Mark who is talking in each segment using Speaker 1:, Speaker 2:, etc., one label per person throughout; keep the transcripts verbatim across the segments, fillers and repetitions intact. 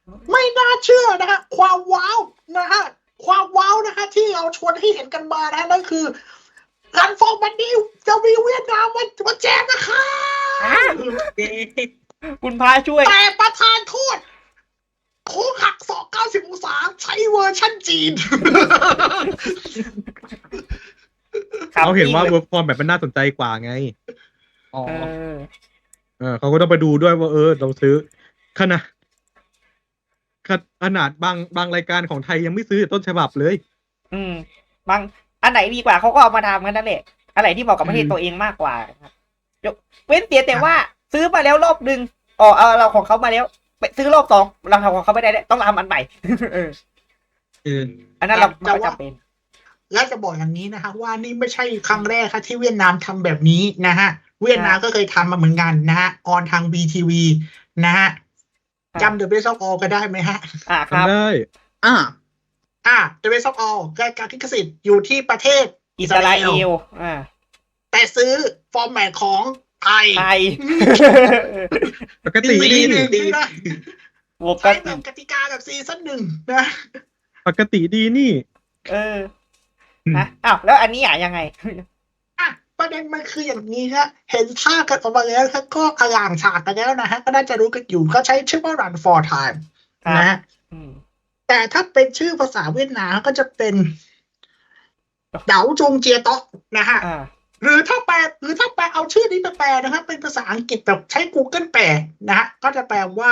Speaker 1: ไม่น่าเชื่อนะฮะความว้าวนะฮะความว้าวนะฮะที่เราชวนให้เห็นกันมานะนั่นคือรันฟอร์มันนี้จะมีเวียดนามมันมาแจกนะคะ
Speaker 2: คุณพระช่วย
Speaker 1: แต่ประธานโทษโค้งหักศอกเก้าสิบองศาใช้เวอร์ชั่นจีน
Speaker 3: เขาเห็นว่าเวิร์กฟอร์มแบบมันน่าสนใจกว่าไงอ๋อ
Speaker 2: เออ
Speaker 3: เออเขาก็ต้องไปดูด้วยว่าเออเราซื้อขนาดขนาดบางบางรายการของไทยยังไม่ซื้อต้นฉบับเลย
Speaker 2: อืมบางอันไหนดีกว่าเขาก็เอามาทำกันนั่นแหละอันไหนที่เหมาะกับประเทศตัวเองมากกว่าครับยกเว้นเสียแต่ว่าซื้อมาแล้วรอบหนึ่งอ๋อเออเราของเขามาแล้วไปซื้อรอบสองเราทำของเขาไม่ได้ต้องทำอันใหม่ เออ
Speaker 3: เออ
Speaker 2: อันนั้นเรา
Speaker 1: แต่
Speaker 2: ไม่
Speaker 1: ว่า
Speaker 2: จำเป็น
Speaker 1: และจะบอกอย่างนี้นะฮะว่านี่ไม่ใช่ครั้งแรกครับที่เวียดนามทำแบบนี้นะฮะเวียดนามก็เคยทำมาเหมือนกันนะฮะออนทาง บี ที วี นะฮะจำ The Best of All ก็ได้ไหมฮะ
Speaker 2: อ่าครับ
Speaker 3: ทำได้
Speaker 1: อ่าอ่า The Best of All รายการลิขสิทธิ์อยู่ที่ประเทศ
Speaker 2: อิสราเอลอ่า
Speaker 1: แต่ซื้อฟอร์แมตของไทย
Speaker 2: ไทย
Speaker 3: ปกติ
Speaker 1: ซี
Speaker 3: ดี
Speaker 1: หนึ่งนี่นะ
Speaker 2: บวกกั
Speaker 1: ใช้
Speaker 2: น
Speaker 1: แบบกติกาแบบซีซั่นหนึ่งนะ
Speaker 3: ปกติดีนี่
Speaker 2: เออนะอ้าวแล้วอันนี้อ่ะยังไง
Speaker 1: อ่ะประเด็นมันคืออย่างนี้ฮะเห็นท่ากันออกมาแล้วครับก็อลางฉากกันแล้วนะฮะก็น่าจะรู้กันอยู่เขาใช้ชื่อว่า Run for Time
Speaker 2: ครับ
Speaker 1: นะฮะ
Speaker 2: อืม
Speaker 1: แต่ถ้าเป็นชื่อภาษาเวียดนามก็จะเป็นเดาจงเจียโตะนะฮะ
Speaker 2: อ่า
Speaker 1: หรือถ้าแปลหรือถ้าแปลเอาชื่อนี้ไปแปลนะครับเป็นภาษาอังกฤษแบบใช้ Google แปลนะฮะก็จะแปลว่า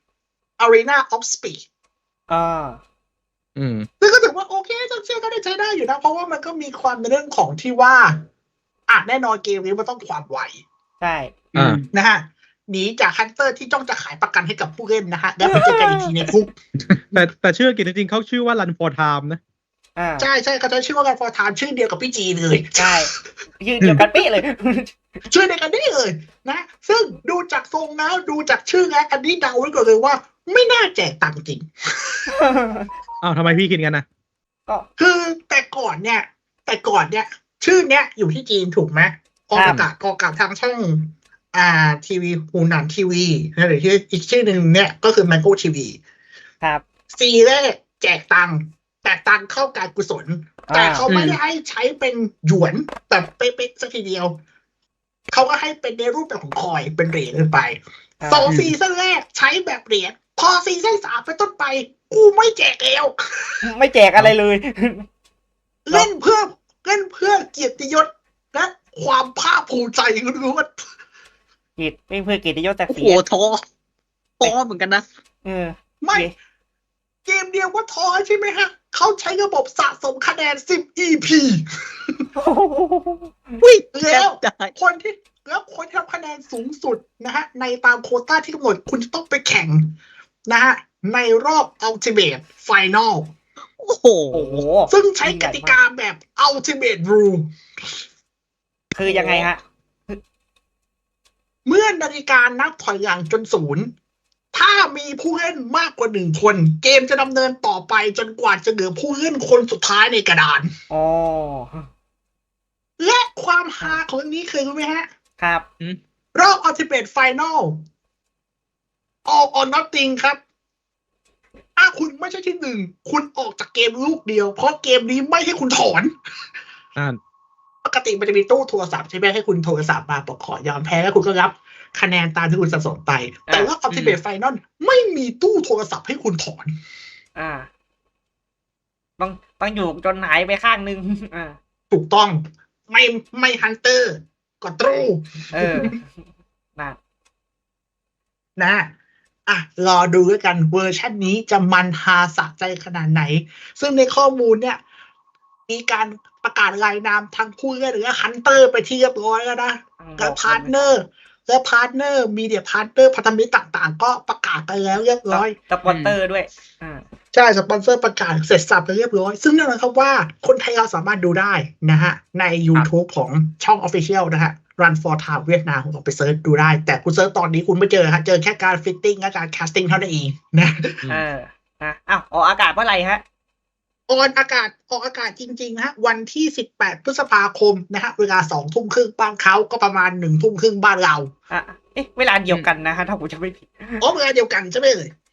Speaker 1: Arena of Speed
Speaker 2: อ่า
Speaker 3: อืม
Speaker 1: ซึ่งก็ถือว่าโอเคต้องเชื่อก็ได้ใช้ได้อยู่นะ เพราะว่ามันก็มีความในเรื่องของที่ว่าอ่ะแน่นอนเกมนี้มันต้องความไว
Speaker 2: ใช่
Speaker 3: อ่า
Speaker 1: นะฮะหนีจากฮันเตอร์ที่จ้องจะขายประกันให้กับผู้เล่นนะฮะแล้วไปเจอกันอีกทีในคุก
Speaker 3: แต่แต่ชื่ออังกฤษจริงๆเขาชื่อว่า Run for Time นะ
Speaker 2: อ่า
Speaker 1: ใช่ใช่เขาจะชื่อว่าการฟอร์ทามชื่อเดียวกับพี่จีเลย
Speaker 2: ใช่ยืนเดียวกันเป๊ะเลย
Speaker 1: ชื่อเดียวกันนี่เลยนะซึ่งดูจากทรงแล้วดูจากชื่อแล้วอันนี้เดาไว้ก่อนเลยว่า ไม่น่าแจกตังค์จริง
Speaker 3: อ้าวทำไมพี่คิดกันนะ
Speaker 2: ก็
Speaker 1: คือแต่ก่อนเนี่ย แต่ก่อนเนี่ย ชื่อเนี้ยอยู่ที่จีนถูกไหมออกอากาศออกอากาศทางช่องอ่าทีวีหูหนันทีวีหรือที่อีกชื่อหนึ่งเนี่ยก็คือ Mango ที วี
Speaker 2: ครับ
Speaker 1: ซีแรกแจกตังค์แต่ตังค์เข้าการกุศล แต่เขาไม่ได้ให้ใช้เป็นหยวนแบบเป๊ะๆสักทีเดียว เขาก็ให้เป็นในรูปแบบของคอยเป็นเหรียญขึ้นไป
Speaker 2: อ่า
Speaker 1: สองซีซั่นแรกใช้แบบเหรียญพอซีซั่นสามไปต้นไป กูไม่แจกแล้ว
Speaker 2: ไม่แจกอะไรเลย
Speaker 1: เล่นเพื่อเล่นเพื่อเกียรติยศและความภาคภูมิใจล้วน
Speaker 2: กิจไม่เพื่อกิจยศศัก
Speaker 4: โอ้
Speaker 2: ดิ์ศ
Speaker 4: โห
Speaker 2: รี
Speaker 4: ท้อท้อเหมือนกันนะ
Speaker 2: เออ
Speaker 1: ๆไม่ เกมเดียวว่าท้อใช่ไหมฮะ เขาใช้ระบบสะสมคะแนน สิบ อี พี
Speaker 4: วิ่ง
Speaker 1: แล้ว
Speaker 4: ได้
Speaker 1: คนที่แล้วคนที่ทำคะแนนสูงสุดนะฮะ ในตามโควต้าที่กำหนดคุณจะต้องไปแข่งนะฮะ ในรอบ Ultimate Final
Speaker 4: โอ้โห
Speaker 2: โอ้โห
Speaker 1: ซึ่งใช้กติกาแบบ Ultimate Rule
Speaker 2: คือยังไงฮะ
Speaker 1: เมื่อนาฬิกานับถอยหลังจนศูนย์ ถ้ามีผู้เล่นมากกว่าหนึ่งคน เกมจะดำเนินต่อไปจนกว่าจะเหลือผู้เล่นคนสุดท้ายในกระดาน
Speaker 2: อ๋อ
Speaker 1: และความฮาของเรื่องนี้คือรู้ไหมฮะ
Speaker 2: ครับ
Speaker 1: รอบ Ultimate Final All or Nothing ครับถ้าคุณไม่ใช่ที่หนึ่ง คุณออกจากเกมลูกเดียว เพราะเกมนี้ไม่ให้คุณถอน
Speaker 3: อ่า
Speaker 1: ปกติมันจะมีตู้โทรศัพท์ใช่ไหมให้คุณโทรศัพท์มาบอกขอยอมแพ้แล้วคุณก็รับคะแนนตามที่คุณสะสมไป แต่ว่า Ultimate Final ไม่มีตู้โทรศัพท์ให้คุณถอน
Speaker 2: อ่า ต้องต้องอยู่จนหายไปข้างนึง อ่า
Speaker 1: ถูกต้องไม่ไม่ฮันเตอร์ก็ตรู
Speaker 2: เออนะ
Speaker 1: นะอ่ะรอดูด้วยกันเวอร์ชันนี้จะมันฮาสะใจขนาดไหน ซึ่งในข้อมูลเนี่ย มีการประกาศรายนามทั้งผู้เล่นหรือฮันเตอร์ไปที่เรียบร้อยแล้วนะและพาร์ทเนอร์และพาร์ทเนอร์มีเดียพาร์ทเนอร์พันธมิตรต่างๆ ก็ประกาศไปแล้วเรียบร้อย
Speaker 2: สปอนเตอร์ด้วย อ่า
Speaker 1: ใช่สปอนเซอร์ประกาศเสร็จสับไปเรียบร้อย ซึ่งนั่นหมายความว่าคนไทยเราสามารถดูได้นะฮะ ใน YouTube ของช่อง Official นะฮะ Run for Time เวียดนามคุณออกไปเซิร์ชดูได้ แต่คุณเซิร์ชตอนนี้คุณไม่เจอฮะเจอแค่การฟิตติ้งและการแคสติ้งเท่านั้นเองนะ
Speaker 2: เออนะอ้าวออกอากาศเมื่อไหร่ฮะ
Speaker 1: ออนอากาศออกอากาศจริงๆนะฮะวันที่สิบแปดพฤษภาคมนะฮะเวลาสองทุ่มครึ่งบ้านเขาก็ประมาณหนึ่งทุ่มครึ่งบ้านเรา
Speaker 2: อ่ะ เอ๊ะ เวลาเดียวกันนะฮะ ถ้าผมจะไม่ผิด
Speaker 1: อ๋อเวลาเดียวกันใช่ไหมเอ่ย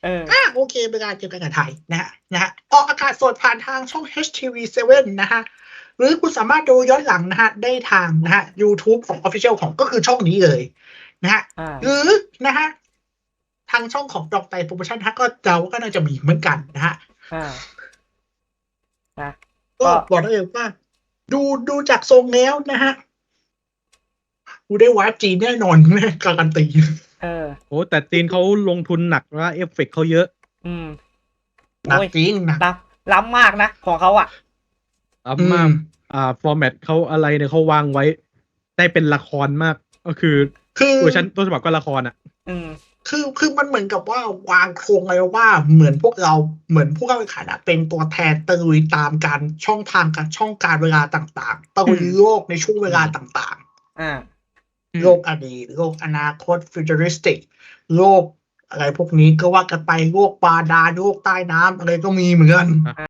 Speaker 2: เออ
Speaker 1: อ่ะโอเคเป็นการเจอกันกับไทยนะฮะนะฮะออกอากาศสดผ่านทางช่อง เอช ที วี เซเว่น นะฮะหรือคุณสามารถดูย้อนหลังนะฮะได้ทางนะฮะ YouTube ของ Official ของก็คือช่องนี้เลยนะฮะ
Speaker 2: อ่า
Speaker 1: หรือนะฮะทางช่องของดอกไตโปรโมชั่นฮะก็เดาว่าก็น่าจะมีเหมือนกันนะฮะ
Speaker 2: อ่านะ
Speaker 1: ก็
Speaker 2: ก็
Speaker 1: บอกได้เลยว่า ดูดูจากทรงแล้วนะฮะกูได้วาร์ปจีนแน่นอนแม่การันตี
Speaker 2: เออ
Speaker 3: โอ้แต่จีนเขาลงทุนหนักนะเอฟเฟกต์เขาเยอะ
Speaker 2: อืม
Speaker 1: หนัก
Speaker 2: โอ้ย
Speaker 1: จริงหนัก
Speaker 2: ล้ำล้ำมากนะ ของเขาอ่ะ
Speaker 3: อ่า
Speaker 1: อื
Speaker 3: มาม อ่าฟอร์แมตเขาอะไรเนี่ยเขาวางไว้ ได้เป็นละครมาก ก็คือ
Speaker 1: คือ
Speaker 3: เวอร์ชันต้นฉบับก็ละครอ่ะ
Speaker 2: อืม
Speaker 1: คือคือมันเหมือนกับว่าวางโครงไว้ว่าเหมือนพวกเราเหมือนผู้เข้าแข่งขันอะเป็นตัวแทนตะลุยตามการช่องทางการช่องการเวลาต่างๆตะลุยโลกในช่วงเวลาต่าง
Speaker 2: อ่า
Speaker 1: ๆ โลกอดีตโลกอนาคตฟิวเจอริสติกโลกอะไรพวกนี้ก็ว่ากันไปโลกบาดาลโลกใต้น้ำอะไรก็มีเหมือนกัน